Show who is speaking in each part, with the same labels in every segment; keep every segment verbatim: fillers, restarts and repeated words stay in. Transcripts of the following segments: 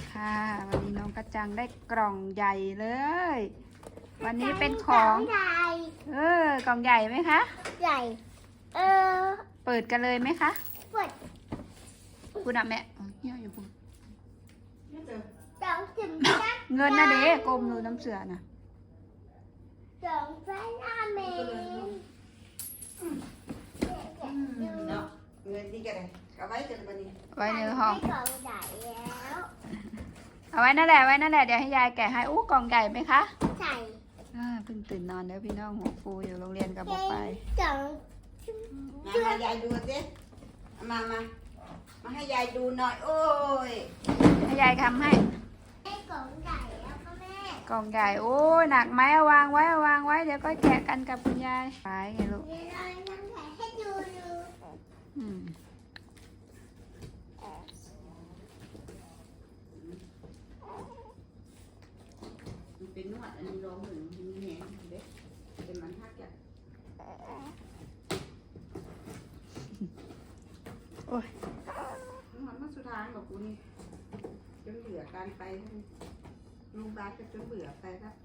Speaker 1: ค่ะวันนี้น้องกระจังได้กล่องใหญ่เลย วันนี้เป็นของ
Speaker 2: ใหญ่
Speaker 1: เออกล่องใหญ่ไหมคะ
Speaker 2: ใหญ่ เออ
Speaker 1: เปิดกันเลยไหมคะ
Speaker 2: เปิด
Speaker 1: คุณอะแม่อ๋อเหี้ยอยู่พูด
Speaker 2: สองถึงจัก
Speaker 1: เงินนะเด็กกลมดูน้ำเสือนะ
Speaker 2: สองไฟลาเมน
Speaker 3: เนาะเงินดีกันเลยเอาไว้จนวันนี้
Speaker 1: ไว้ในห้อง
Speaker 2: กล่องใหญ่แล้ว
Speaker 1: เอาไว้นั่นแหละไว้นั่นแหละเดี๋ยวให้ยายแกะให้อู้กล่องใหญ่ไหมคะ
Speaker 2: ใส่
Speaker 1: อ่าเพิ่งตื่นนอนเด้อพี่น้องหัวฟูอยู่โรงเรียนกับบอกไป
Speaker 2: สอง
Speaker 3: มาให้ยายดูสิมามามาให้ยายดูหน่อย โอ้ย
Speaker 1: ให้ยายทำให้
Speaker 2: ได้กล่องใหญ่แล้วพ่อแม่
Speaker 1: กล่องใหญ่โอ้ยหนักไหมเอาวางไว้เอาวางไว้เดี๋ยวก็แกะกันกับคุณยายไปไงลูก
Speaker 2: เดี๋ยวเราทำแผลให้ดูดู
Speaker 1: อืม
Speaker 3: มันเป็นนวดอันนี้ร้องหนึ่งมันแหงเด็กเป็นมันทักอย่าง
Speaker 1: โอ้ย
Speaker 3: นวดมาสุดท้ายบอกกูนี่จนเบื่อการไปลุงบาสก็จนเบื่อไปครับ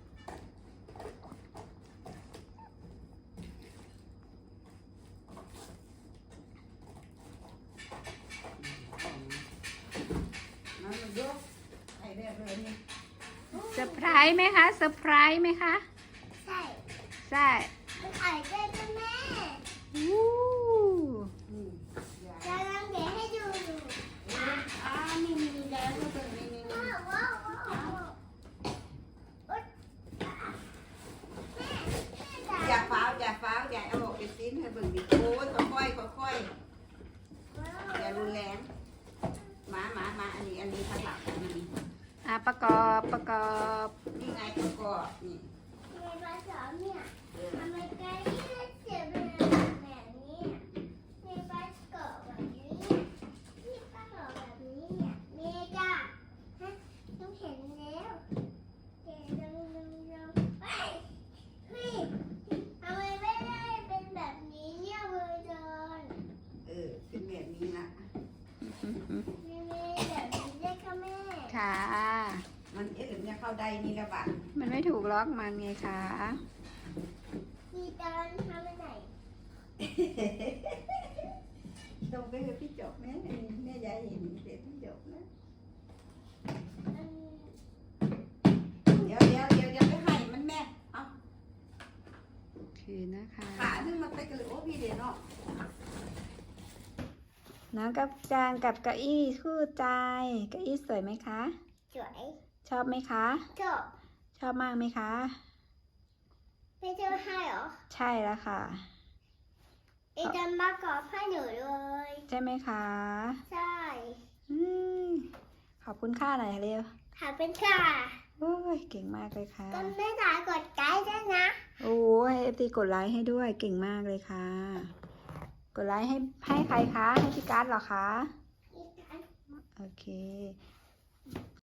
Speaker 3: นั่นมันยกไอ้เรื่องเลยนี่
Speaker 1: เซอร์ไพรส์ไหมคะเซอร์ไพรส์ไหมคะ
Speaker 2: ใช่
Speaker 1: ใช่
Speaker 2: มันไข่ได้พ่อแม่
Speaker 1: อู้
Speaker 3: นี่ยาย
Speaker 2: เราทำแผลให้ดูดู
Speaker 3: อ่านี่นี่นี่แล้วก็เป็นนี่นี่นี่
Speaker 2: ว้าวว้าวว้าวว้าวอุ๊ยแม่แม่
Speaker 3: อย่า
Speaker 2: จ๋า
Speaker 3: ฟ้าวอย่าฟ้าวอย่าเอาออกไปซิ้นให้เบิ่งดิโอ้ยค่อยๆค่อยๆอย่ารุนแรงมามามาอันนี้อันนี้ข้างหลังอันนี้
Speaker 1: อ่ะประกอบประกอบ
Speaker 3: นี่ไงประกอบนี่
Speaker 2: ในภาษาเนี่ย
Speaker 3: เออ
Speaker 2: ทำไมไก่เจ็บแบบนี้ในภาษาแบบนี้ที่ประกอบแบบนี้เนี่ยเมจ้าฮะต้องเห็นแล้วเดี๋ยวลองลองลองเฮ้ยเฮ้ยทำไมไม่ได้เป็นแบบนี้เนี่ยเวอร์จอน
Speaker 3: เออเป็นแบบนี้นะ
Speaker 2: ไม่ไม่แบบนี้ได้ค่ะแม่
Speaker 1: ค่ะ
Speaker 3: มันเอ๊ะหรือจะเข้าได้นี่ละบัด
Speaker 1: มันไม่ถูกล็อกมันไงคะ
Speaker 2: มีตอนทำอะไร
Speaker 3: ตรงไปคือพี่จบแม่แม่ยายเห็นเด็กพี่จบนะ
Speaker 2: อืม
Speaker 3: เดี๋ยวเดี๋ยวเดี๋ยวเดี๋ยวไปให้มันแม่เอา
Speaker 1: โอเคนะคะ
Speaker 3: ขาซึ่งมันไปกระโดดพี่เดี๋ยวเนาะ
Speaker 1: น้องกับจางกับเก้าอี้คู่ใจเก้าอี้สวยไหมคะ
Speaker 2: สวย
Speaker 1: ชอบไหมคะ
Speaker 2: จบ
Speaker 1: ชอบมากไหมคะ
Speaker 2: ไม่เจอให้เหรอ
Speaker 1: ใช่แล้วค่ะ
Speaker 2: ไอ้จันมากอบให้หนูเลย
Speaker 1: ใช่ไหมคะ
Speaker 2: ใช่
Speaker 1: อืมขอบคุณค่าหน่อยเร็ว
Speaker 2: หาเป็นค่ะ
Speaker 1: โอ้ยเก่งมากเลยค่ะ
Speaker 2: ก็ไม่ตายกดไกด์ด้วยนะ
Speaker 1: โอ้ให้เอฟซีกดไลค์ให้ด้วยเก่งมากเลยค่ะ กดไลค์ให้ให้ใครคะ ให้พี่การ์ดเหรอคะ
Speaker 2: อีกอัน
Speaker 1: โอเค